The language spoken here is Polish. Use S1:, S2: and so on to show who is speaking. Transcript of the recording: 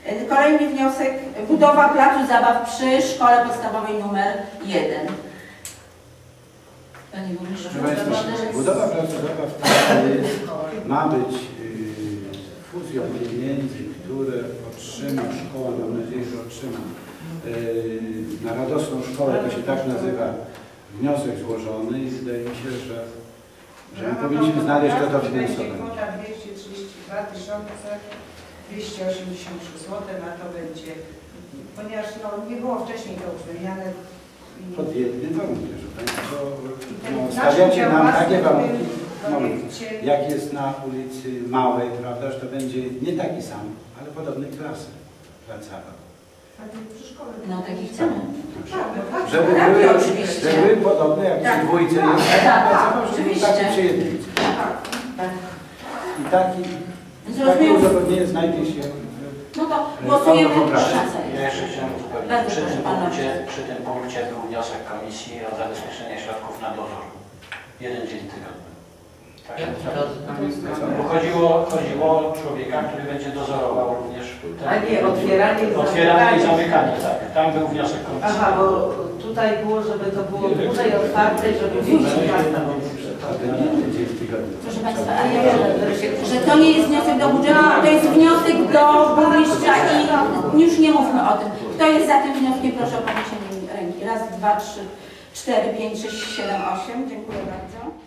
S1: Kolejny wniosek, budowa placu zabaw przy szkole podstawowej numer 1. Panie Burmistrzu,
S2: budowa placu zabaw ma być fuzją pieniędzy, które otrzyma szkoła, mam nadzieję, że otrzyma na Radosną Szkołę, to się tak nazywa, wniosek złożony i wydaje mi się, że my powinniśmy znaleźć to dofinansowanie.
S3: Kwota 232 283 zł, a to będzie, ponieważ nie było wcześniej to uwzględniane.
S2: Pod jednym warunkiem, że Państwo stawiacie nam takie warunki, jak jest na ulicy Małej, prawda, że to będzie nie taki sam, ale podobnej klasy plac zabaw.
S1: No taki chcemy.
S2: Żeby były podobne jak przy dwójce jest taki przy jedynce. I taki uzgodnienie znajdzie się.
S1: No to głosujemy na
S4: Ja jeszcze chciałem uzupełnić. Przy tym punkcie był wniosek komisji o zabezpieczenie środków na dozór. 1 dzień tygodnia. Tak, bo chodziło o człowieka, który będzie dozorował również
S5: a nie, otwieranie
S4: i zamykanie, tak. Tam był wniosek komisji.
S5: Aha, bo tutaj było, żeby to było dłużej otwarte, żeby więcej miasta
S1: Proszę Państwa, ale ja wiem, że to nie jest wniosek do budżetu, to jest wniosek do burmistrza i już nie mówmy o tym. Kto jest za tym wnioskiem, proszę o podniesienie ręki. Raz, dwa, trzy, 4, 5, 6, 7, 8. Dziękuję bardzo.